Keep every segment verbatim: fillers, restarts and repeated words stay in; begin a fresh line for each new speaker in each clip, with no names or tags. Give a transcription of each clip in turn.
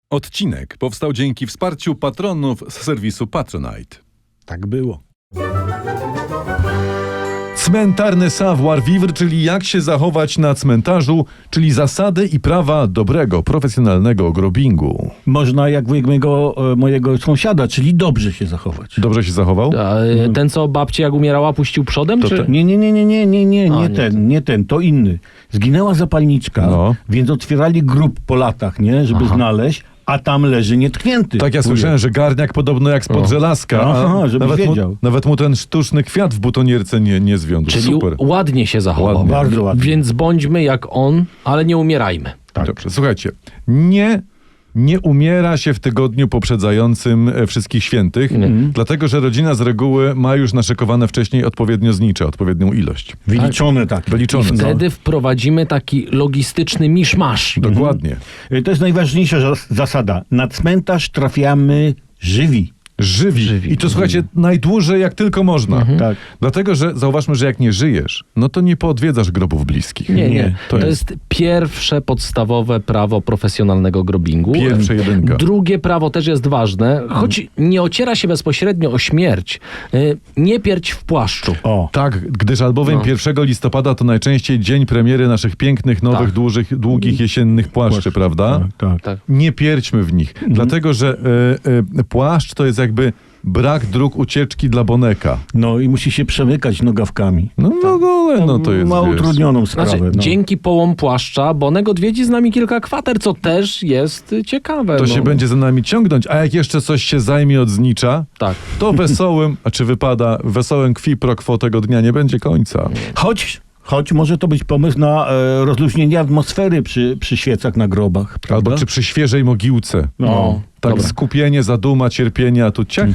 Odcinek powstał dzięki wsparciu patronów z serwisu Patronite.
Tak było.
Cmentarny savoir-vivre, czyli jak się zachować na cmentarzu, czyli zasady i prawa dobrego, profesjonalnego grobingu.
Można jak wujek mojego, e, mojego sąsiada, czyli dobrze się zachować.
Dobrze się zachował?
A, e, ten, co babci jak umierała, puścił przodem?
To
czy?
ten.
Nie, nie, nie, nie, nie, nie, nie,
A,
nie
nie
ten,
ten.
nie ten, to inny. Zginęła zapalniczka,
No.
więc otwierali grób po latach, nie, żeby
Aha.
znaleźć, a tam leży nietknięty.
Tak, ja
wujek.
słyszałem, że garniak podobno jak spod
O.
żelazka, a
Aha, żebyś
nawet, mu,
wiedział.
nawet mu ten sztuczny kwiat w butonierce nie, nie zwiąże.
Czyli
Super.
ładnie się zachował.
Ładnie.
Bardzo ładnie.
Więc bądźmy jak on, ale nie umierajmy.
Tak.
Dobrze, słuchajcie, nie, nie umiera się w tygodniu poprzedzającym e, Wszystkich Świętych,
Mhm.
dlatego że rodzina z reguły ma już naszykowane wcześniej odpowiednio znicze, odpowiednią ilość.
Wyliczone tak.
Wyliczone.
I wtedy wprowadzimy taki logistyczny miszmasz.
Dokładnie.
Y, To jest najważniejsza zas- zasada. Na cmentarz trafiamy żywi.
Żywi.
Żywi.
I to słuchajcie, najdłużej jak tylko można.
Tak.
Dlatego, że zauważmy, że jak nie żyjesz, no to nie poodwiedzasz grobów bliskich.
Nie, nie.
Nie,
To,
to
jest... pierwsze podstawowe prawo profesjonalnego grobingu.
Pierwsze jedynka.
Drugie prawo też jest ważne, choć nie ociera się bezpośrednio o śmierć. Y, Nie pierdź w płaszczu.
O.
Tak, gdyż albowiem
No.
pierwszego listopada to najczęściej dzień premiery naszych pięknych, nowych,
Tak.
dużych, długich jesiennych płaszczy,
Płaszcz.
prawda?
Tak, tak.
Tak.
Nie pierdźmy w nich, dlatego że e, e, płaszcz to jest jakby brak dróg ucieczki dla boneka.
No i musi się przemykać nogawkami.
No, no, no, ale no to jest,
Ma
wiesz,
utrudnioną sprawę.
Znaczy,
no.
dzięki połom płaszcza Bonek odwiedzi z nami kilka kwater, co też jest y, ciekawe.
to
no.
się będzie za nami ciągnąć, a jak jeszcze coś się zajmie od znicza,
Tak.
to wesołym, a czy wypada, wesołym kwi pro quo tego dnia nie będzie końca.
Choć, choć może to być pomysł na e, rozluźnienie atmosfery przy, przy świecach na grobach. Prawda?
Albo czy przy świeżej mogiłce.
No.
Tak,
Dobra.
skupienie, zaduma, cierpienie, a tu ciach.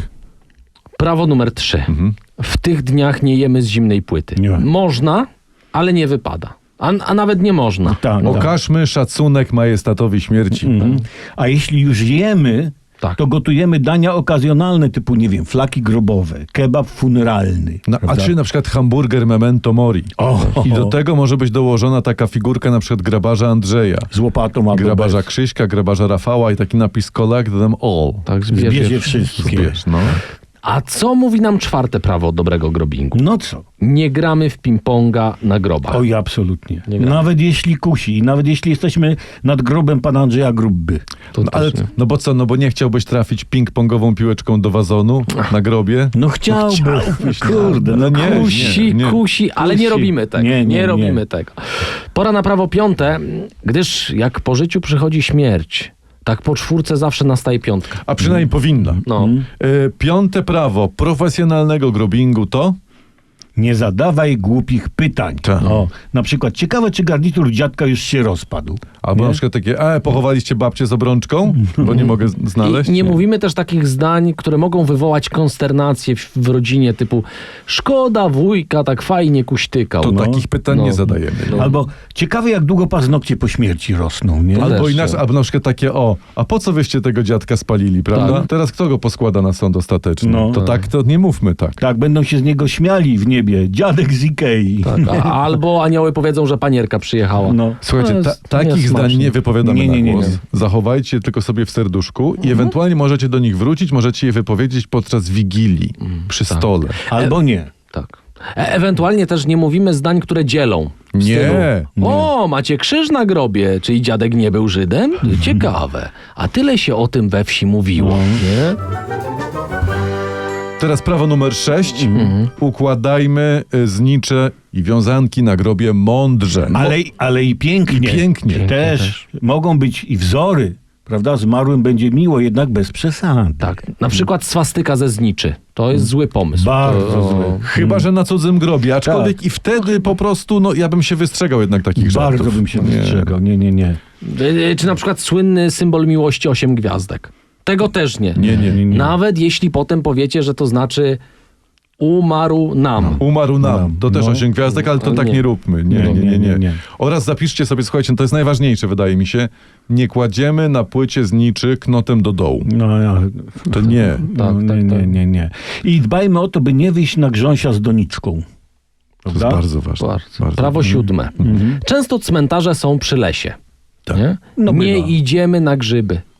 Prawo numer trzy.
Mhm.
W tych dniach nie jemy z zimnej płyty.
Nie.
Można, ale nie wypada. A, a nawet nie można.
Tak, tak.
Okażmy szacunek majestatowi śmierci.
Mhm. A jeśli już jemy,
Tak.
to gotujemy dania okazjonalne typu, nie wiem, flaki grobowe, kebab funeralny.
No, a
prawda?
czy na przykład hamburger memento mori.
O,
I do tego może być dołożona taka figurka na przykład grabarza Andrzeja,
z łopatą albo
grabarza
bez.
Krzyśka, grabarza Rafała i taki napis collect them all.
Tak,
Zbierze
zbierze.
wszystkie.
Wiesz, no.
A co mówi nam czwarte prawo dobrego grobingu?
No co?
Nie gramy w ping-ponga na grobach.
Oj, absolutnie.
Nie gramy.
Nawet jeśli kusi, nawet jeśli jesteśmy nad grobem pana Andrzeja Grubby.
To
No, ale,
też nie.
no bo co, no bo nie chciałbyś trafić ping-pongową piłeczką do wazonu na grobie?
No chciałby.
chciałbyś,
Kurde,
no
no
nie,
Kusi,
nie, nie.
kusi, ale nie
Kusi.
robimy tego.
Nie,
Nie,
nie, nie.
robimy tego. Pora na prawo piąte, gdyż jak po życiu przychodzi śmierć, tak po czwórce zawsze nastaje piątka.
A przynajmniej powinna.
No.
Y, piąte prawo profesjonalnego grobingu to?
Nie zadawaj głupich pytań.
Tak.
O, na przykład, ciekawe, czy garnitur dziadka już się rozpadł.
Albo
Nie?
na przykład takie, e, pochowaliście babcię z obrączką? Bo nie mogę z- znaleźć.
I nie mówimy też takich zdań, które mogą wywołać konsternację w, w rodzinie, typu szkoda wujka, tak fajnie kuśtykał.
To
No.
takich pytań
No.
nie zadajemy.
No.
Albo ciekawe, jak długo paznokcie po śmierci rosną, nie?
Albo
też,
inaczej,
no.
albo na przykład takie, o, a po co wyście tego dziadka spalili, prawda?
Tak.
Teraz kto go poskłada na sąd ostateczny?
No.
To tak, to nie mówmy tak.
Tak, będą się z niego śmiali w niebie. Dziadek z Ikei.
Tak, a, albo anioły powiedzą, że panierka przyjechała.
No.
Słuchajcie,
To
ta,
jest
takich
niesmaczne.
zdań nie wypowiadamy
Nie, nie,
na
nie,
głos.
nie.
Zachowajcie je tylko sobie w serduszku i ewentualnie możecie do nich wrócić, możecie je wypowiedzieć podczas wigilii, przy
tak.
stole.
Albo nie.
Tak. E- ewentualnie też nie mówimy zdań, które dzielą. W
Nie.
stylu, o, macie krzyż na grobie, czyli dziadek nie był Żydem? Ciekawe. A tyle się o tym we wsi mówiło. Nie?
Teraz prawo numer sześć.
Mhm.
Układajmy y, znicze i wiązanki na grobie mądrze.
Ale, ale i pięknie.
I pięknie.
Pięknie
Też,
też.
mogą być i wzory. Prawda? Zmarłym będzie miło, jednak bez przesady.
Tak. Na przykład swastyka ze zniczy. To jest zły pomysł.
Bardzo
to,
zły.
Chyba, że na cudzym grobie, aczkolwiek
Tak.
i wtedy po prostu, no ja bym się wystrzegał jednak takich żartów.
Bardzo bym się
Nie.
wystrzegał. Nie, nie, nie.
E, Czy na przykład słynny symbol miłości osiem gwiazdek. Tego też nie.
Nie, nie, nie.
nie.
Nawet jeśli potem powiecie, że to znaczy umarł nam.
Umarł nam.
No,
To też
no.
osiem gwiazdek, ale to
Ale
tak
nie.
nie róbmy. Nie, nie,
No,
nie, nie,
nie, nie.
Oraz zapiszcie sobie, słuchajcie, to jest najważniejsze, wydaje mi się, nie kładziemy na płycie zniczy knotem do dołu.
No, ja,
To nie.
no,
Tak,
nie,
tak,
nie,
tak.
nie, nie. I dbajmy o to, by nie wyjść na grząsia z doniczką.
To jest
Prawda?
bardzo ważne.
Bardzo. Prawo siódme. Często cmentarze są przy lesie.
Tak.
Nie,
No
nie
bywa.
idziemy na grzyby.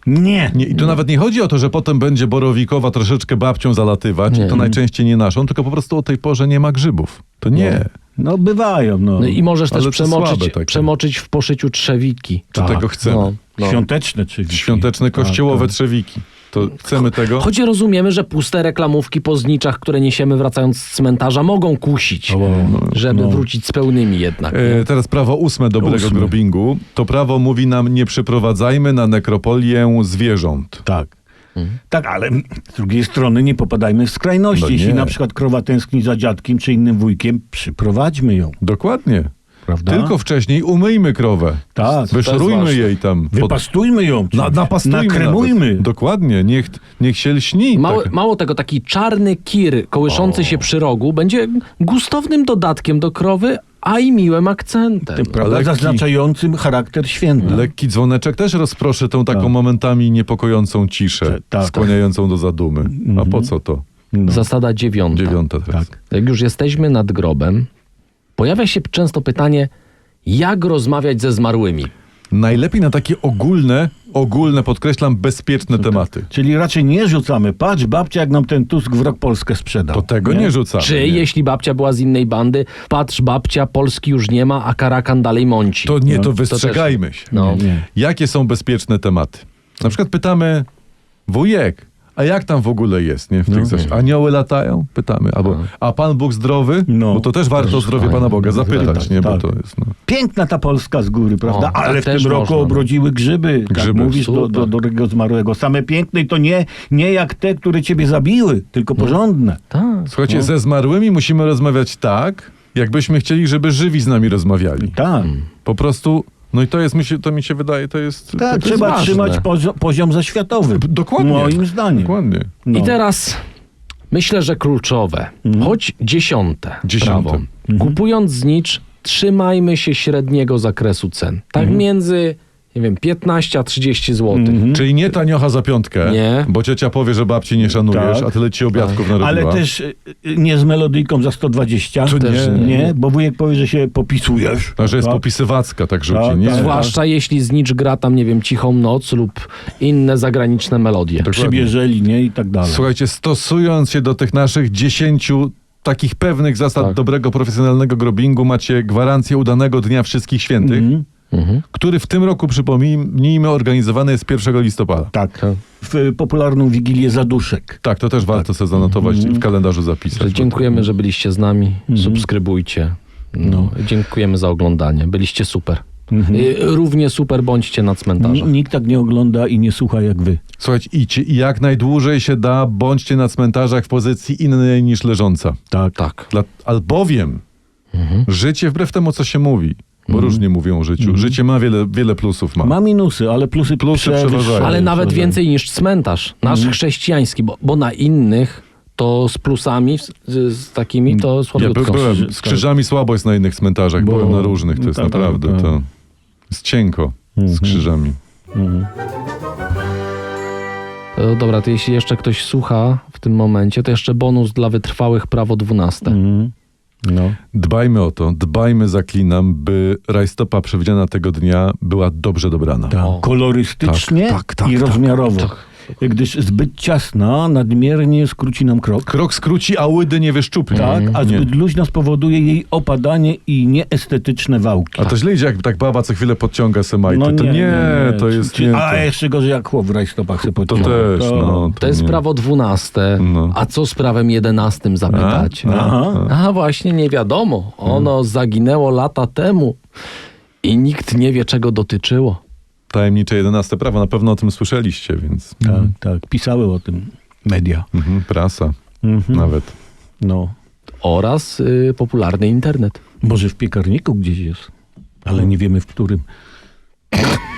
Nie.
Nie, I tu nawet nie chodzi o to, że potem będzie borowikowa troszeczkę babcią zalatywać,
Nie.
i to najczęściej nie naszą, tylko po prostu o tej porze nie ma grzybów. To nie.
No bywają, no.
No i możesz
Ale
też
to
przemoczyć,
słabe takie.
przemoczyć w poszyciu trzewiki.
Czy
Tak.
tego chcemy?
No, no.
Świąteczne czy
Świąteczne kościołowe
Tak, tak.
trzewiki. To chcemy tego?
Choć rozumiemy, że puste reklamówki po zniczach, które niesiemy wracając z cmentarza, mogą kusić,
O,
żeby
no.
wrócić z pełnymi jednak. Nie?
E, teraz prawo ósme dobrego
Ósme.
grobingu. To prawo mówi nam, nie przyprowadzajmy na nekropolię zwierząt.
Tak. Tak, ale z drugiej strony nie popadajmy w skrajności.
No nie.
Jeśli na przykład krowa tęskni za dziadkiem czy innym wujkiem, przyprowadźmy ją.
Dokładnie.
Prawda?
Tylko wcześniej umyjmy krowę.
Tak.
Wyszorujmy
ważne.
jej tam. pod-
Wypastujmy ją.
Na, napastujmy
Nakremujmy.
nawet. Dokładnie. Niech, niech się lśni.
Mało,
tak.
mało tego, taki czarny kir kołyszący się przy rogu będzie gustownym dodatkiem do krowy, a i miłym akcentem.
Tym, prawda,
lekki-
zaznaczającym charakter święta.
Lekki dzwoneczek też rozproszy tą taką
Tak.
momentami niepokojącą ciszę,
Tak.
skłaniającą do zadumy. A po co to?
No.
Zasada dziewiąta.
Dziewiąta teraz.
Tak.
Jak już jesteśmy nad grobem, pojawia się często pytanie, jak rozmawiać ze zmarłymi.
Najlepiej na takie ogólne, ogólne, podkreślam, bezpieczne tematy.
Czyli raczej nie rzucamy. Patrz, babcia, jak nam ten Tusk w rok Polskę sprzedał.
To tego nie, rzucamy.
Czy
nie.
jeśli babcia była z innej bandy, patrz babcia, Polski już nie ma, a Karakan dalej mąci.
To nie,
No,
to
to
wystrzegajmy się.
No.
Nie, nie.
Jakie są bezpieczne tematy? Na przykład pytamy, wujek, a jak tam w ogóle jest, nie? W tych
No.
coś. Anioły latają? Pytamy. Albo, a Pan Bóg zdrowy?
No.
Bo to też warto o zdrowie Pana Boga zapytać,
tak,
nie? Bo
tak.
to jest, no.
Piękna ta Polska z góry, prawda?
O, tak
Ale w
też
tym roku
można, no.
obrodziły grzyby. Tak
Grzyby.
mówisz do, do, do drugiego zmarłego. Same piękne i to nie, nie jak te, które ciebie zabiły, tylko porządne.
Tak.
Słuchajcie,
No.
ze zmarłymi musimy rozmawiać tak, jakbyśmy chcieli, żeby żywi z nami rozmawiali.
Tak.
Po prostu, no i to jest, mi się, to mi się wydaje, to jest...
Tak,
to jest
trzeba
ważne.
trzymać poziom, poziom zaświatowy.
Dokładnie.
Moim zdaniem.
Dokładnie.
No.
I teraz myślę, że kluczowe, choć dziesiąte,
Dziesiąte.
prawo. Kupując znicz, trzymajmy się średniego zakresu cen. Tak między, nie wiem, piętnaście a trzydzieści złotych.
Czyli nie taniocha za piątkę,
Nie.
bo ciocia powie, że babci nie szanujesz,
Tak.
a tyle ci obiadków narobiła.
Ale też y, y, nie z melodyjką za sto dwadzieścia.
To
Też
nie.
nie.
Nie, bo wujek powie, że się popisujesz.
A że jest
Tak.
popisywacka, tak rzuci,
Tak,
nie?
tak.
Zwłaszcza jeśli znicz gra tam, nie wiem, Cichą Noc lub inne zagraniczne melodie.
Dokładnie.
Przybierzeli, nie? I tak dalej.
Słuchajcie, stosując się do tych naszych dziesięciu takich pewnych zasad
Tak.
dobrego, profesjonalnego grobingu, macie gwarancję udanego Dnia Wszystkich Świętych,
Mhm.
Mhm.
który w tym roku, przypomnijmy, organizowany jest pierwszego listopada.
Tak.
Tak.
W y, popularną Wigilię Zaduszek.
Tak, to też warto sobie zanotować i w kalendarzu zapisać.
Że dziękujemy, że byliście z nami. Subskrybujcie. No. Dziękujemy za oglądanie. Byliście super. Y, Równie super bądźcie na cmentarzu.
N- Nikt tak nie ogląda i nie słucha jak wy.
Słuchajcie, idźcie i jak najdłużej się da, bądźcie na cmentarzach w pozycji innej niż leżąca.
Tak.
Tak.
Dla, albowiem życie, wbrew temu, co się mówi, bo różnie mówią o życiu, życie ma wiele, wiele plusów. Ma.
Ma minusy, ale plusy,
Plusy
przewyższają.
przeważają.
Ale nawet
Przeważają.
więcej niż cmentarz. Nasz chrześcijański, bo, bo na innych to z plusami, z, z takimi to
Ja
słabiutko.
by, byłem z krzyżami słabo jest na innych cmentarzach,
Bo-
byłem na różnych, to jest
tak,
naprawdę,
tak.
to jest cienko z krzyżami.
E, Dobra, to jeśli jeszcze ktoś słucha w tym momencie, to jeszcze bonus dla wytrwałych, prawo dwunaste.
Mhm. No.
Dbajmy o to, dbajmy, zaklinam, by rajstopa przewidziana tego dnia była dobrze dobrana.
Tak.
O.
Kolorystycznie
Tak, tak, tak,
i
tak,
rozmiarowo.
tak.
Gdyż zbyt ciasna nadmiernie skróci nam krok.
Krok skróci, a łydy nie wyszczupli.
Tak, a
Nie.
zbyt luźna spowoduje jej opadanie i nieestetyczne wałki.
A to źle idzie, jak tak baba co chwilę podciąga se majty. to nie, to jest
Czy,
nie.
A
To,
jeszcze gorzej jak chłop w rajstopach sobie
to
podciąga.
też, no.
To jest
nie.
prawo dwunaste.
No.
A co z prawem jedenastym zapytacie?
A?
Aha.
A właśnie nie wiadomo. Ono zaginęło lata temu i nikt nie wie, czego dotyczyło.
Tajemnicze jedenaste prawo, na pewno o tym słyszeliście, więc
Tak, tak. Pisały o tym media.
mhm, prasa
Mhm.
nawet.
No.
Oraz y, popularny internet.
Może w piekarniku gdzieś jest, ale nie wiemy w którym.